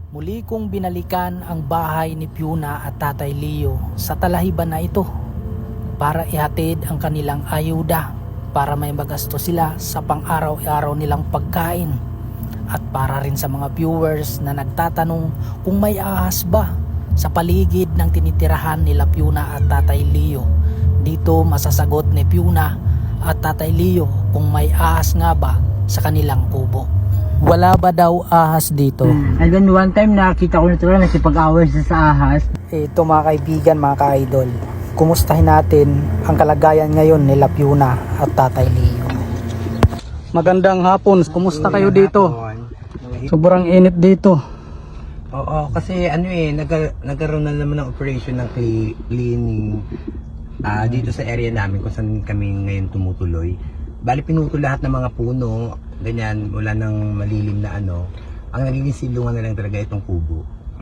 Muli kong binalikan ang bahay ni Fiona at Tatay Leo sa talahiban na ito para ihatid ang kanilang ayuda para may magasto sila sa pang-araw-araw nilang pagkain at para rin sa mga viewers na nagtatanong kung may ahas ba sa paligid ng tinitirahan nila Fiona at Tatay Leo. Dito masasagot ni Fiona at Tatay Leo kung may ahas nga ba sa kanilang kubo. Wala ba daw ahas dito? And then one time nakita ko na ito lang nagsipag-away siya sa ahas. Ito mga kaibigan, mga ka-idol, kumustahin natin ang kalagayan ngayon nila Fiona at Tatay Leo. Magandang hapon, kumusta kayo dito? Sobrang init dito. Oo, kasi nagkaroon na naman ng operation ng cleaning dito sa area namin kung saan kami ngayon tumutuloy. Bali pinutol lahat ng mga puno, ganyan, wala nang malilim na ano. Ang nagiging silungan na lang talaga itong kubo.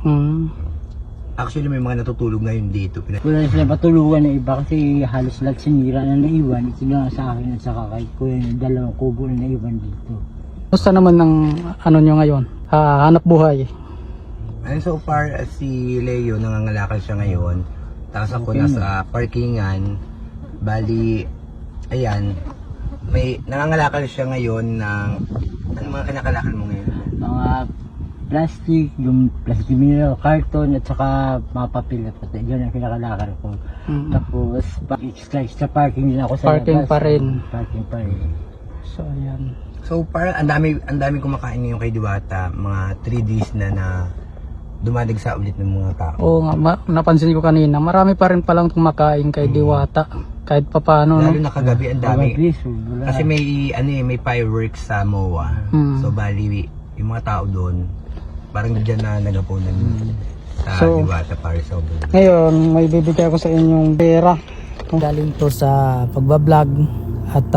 Actually may mga natutulog ngayon dito. Wala na sila patulungan ng iba kasi halos lahat sinira na naiwan. Ito lang sa akin at saka kay kuya yung dalawang kubo na naiwan dito. Kumusta naman ng ano nyo ngayon? Hanap buhay? And so far, si Leo nangangalakal siya ngayon. Tapos ako nasa parkingan. Bali, ayan, may nangangalakal siya ngayon ng ano mga kinakalakal mo ngayon? Mga plastic, yung plastic mineral, carton at saka mga papel at pati. Yun ang kinakalakal ko. Tapos, extra parking din ako sa Parking labas. pa rin. Parking pa rin. So ayan. So far, ang dami kumakain ngayon kay Diwata. Mga 3 days na dumadagsa ulit ng mga tao. Oo nga, napansin ko kanina, marami pa rin palang kumakain kay Diwata. Kahit papaano, Lalo no? na kagabi ang dami. Wala. Kasi may fireworks sa MOA. So bali yung mga tao doon parang diyan na nagapunan sa Diwata para sa ulo. Ngayon, may bibigay ko sa inyong pera. Galing to sa pagbablog at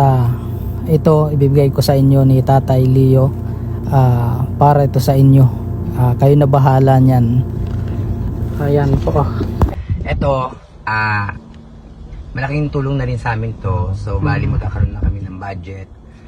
ito ibibigay ko sa inyo ni Tatay Leo para ito sa inyo. Kayo na bahala niyan. Ayan po. Ito, malaking tulong na rin sa amin to. So bali magkakaroon na kami ng budget.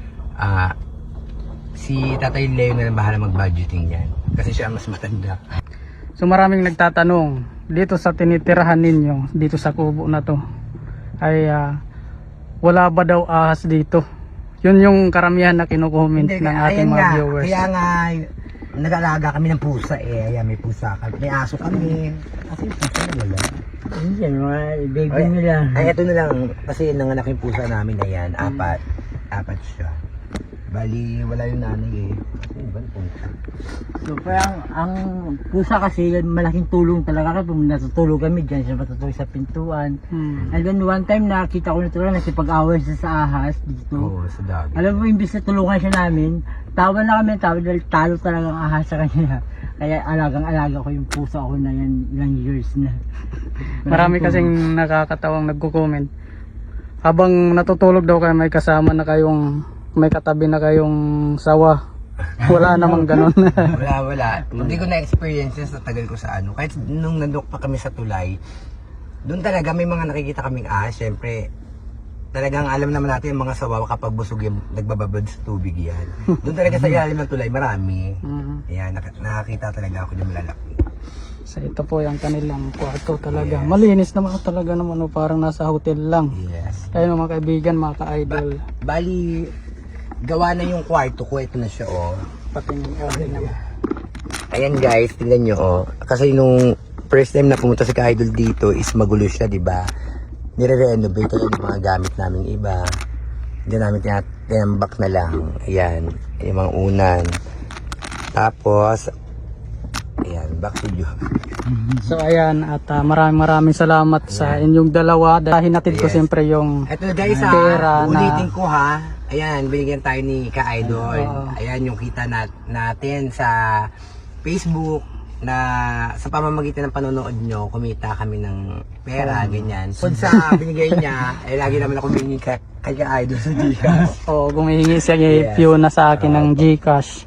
Si Tatay Leo na lang bahala mag-budgeting yan. Kasi siya mas matanda. So maraming nagtatanong dito sa tinitirahan ninyo, dito sa kubo na to ay wala ba daw ahas dito? Yun yung karamihan na kinukomment ng ating mga viewers. Kaya nga nag-alaga kami ng pusa Ayan, may pusa kami. May aso kami. Kasi yung pusa na wala. Hindi, mga baby nila. Ay, ito na lang. Kasi nanganak yung pusa namin na yan. Apat siya. Bali, wala yung nanay eh. Kasi iba yung pusa. So parang ang pusa kasi malaking tulong talaga kapag natutulog kami dyan siya matutulog sa pintuan. And then one time nakita ko na ito lang nagsipag-away siya sa ahas dito. Oo, sa dami. Alam mo, imbis na tulungan siya namin, tawa na kami dahil talo talagang ahas sa kanya. Kaya alagang-alaga ko yung pusa ko na yan ilang years na. Marami kasing nakakatawang nagko-comment. Habang natutulog daw kayo, may kasama na kayong, may katabi na kayong sawa. Wala namang ganun. Wala. Hindi ko na-experience sa tagal ko sa ano. Kahit nung nandok pa kami sa tulay, doon talaga may mga nakikita kaming ahas. Siyempre, talagang alam naman natin yung mga sawawa kapag busog yung nagbababad sa tubig yan. Doon talaga sa ilalim ng tulay, marami. Ayan, nakakita talaga ako yung malalaki. So ito po yung kanilang kwarto talaga. Malinis naman talaga naman, parang nasa hotel lang. Yes. Ayun mga kaibigan, mga ka-idol. Bali, gawa na yung kwarto ko. Ito na siya, oh. Patingin naman. Ayan guys, tingnan nyo, oh. Kasi nung first time na pumunta si ka-idol dito is magulo siya, diba? Nire-renovate yung mga gamit namin iba. Hindi namin tinambak na lang. Ayan, yung mga unan. Tapos, ayan, back to you. So ayan, at maraming salamat sa inyong dalawa. Dahil hinatid ko siyempre yung Ito guys, pera na ulitin ko ha. Ayan, binigyan tayo ni ka-idol. Ayan yung kita natin sa Facebook na sa pamamagitan ng panonood nyo, kumita kami ng pera, ganyan. So sa binigay niya, lagi naman ako binigay kay ka-idol sa Gcash. gumihingi siya kay Fiona sa akin ng Gcash.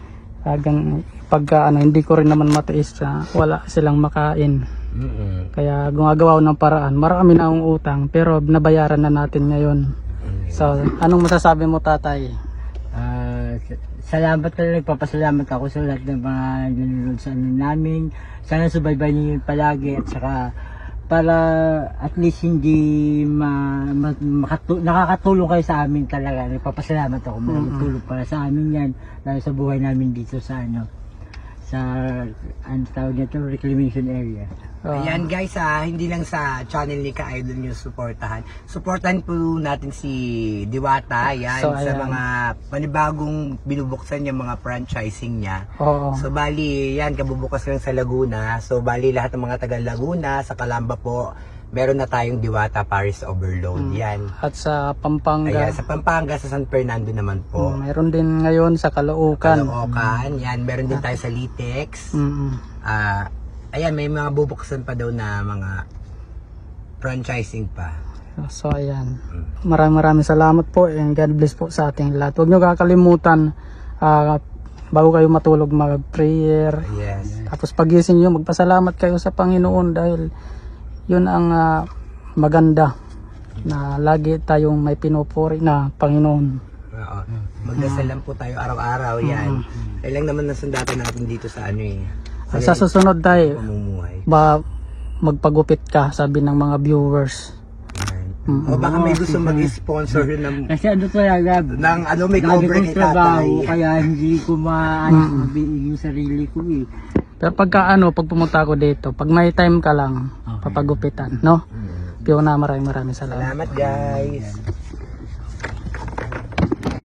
Pagka hindi ko rin naman matiis wala silang makain. Kaya gumagawa ng paraan. Marami na akong utang pero nabayaran na natin ngayon. So, anong masasabi mo, tatay? salamat talaga, nagpapasalamat ako sa lahat ng mga nanonood sa ano namin. Sana subaybay niyo yun palagi at saka para at least hindi nakakatulong kayo sa amin talaga. Nagpapasalamat ako, malaking tulong para sa amin yan, lalo sa buhay namin dito sa sa tawag nito, reclamation area. Ayan guys, hindi lang sa channel ni Ka-Idol nyo suportahan. Suportahan po natin si Diwata, yan, So, sa ayan. mga panibagong binubuksan niya, mga franchising niya. Oo. So bali, yan, kabubukas lang sa Laguna. So bali, lahat ng mga taga Laguna, sa Calamba po, meron na tayong Diwata Paris Overload. Yan. At sa Pampanga, Ayan, sa Pampanga, sa San Fernando naman po. mayroon din ngayon sa Caloocan. Caloocan, yan, meron din tayo sa Litex. Ayan, may mga bubuksan pa daw na mga franchising pa. So ayan. Maraming salamat po and God bless po sa ating lahat. Huwag nyo kakalimutan bago kayo matulog mag-prayer. Yes. Tapos pagising nyo magpasalamat kayo sa Panginoon dahil yun ang maganda na lagi tayong may pinupuri na Panginoon. Oo. Magdasal lang po tayo araw-araw, yan. Kailang naman nasundatan natin dito sa Sa susunod tayo, pamumuhay. magpagupit ka, sabi ng mga viewers. O baka may gusto mag-sponsor ng Kasi ano talaga, may dami cover kong kay trabaho, tatay. kaya hindi ko mabiig yung sarili ko eh. Pero pag pumunta ako dito, pag may time ka lang, papagupitan, no? Fiona, maraming salamat. Salamat guys.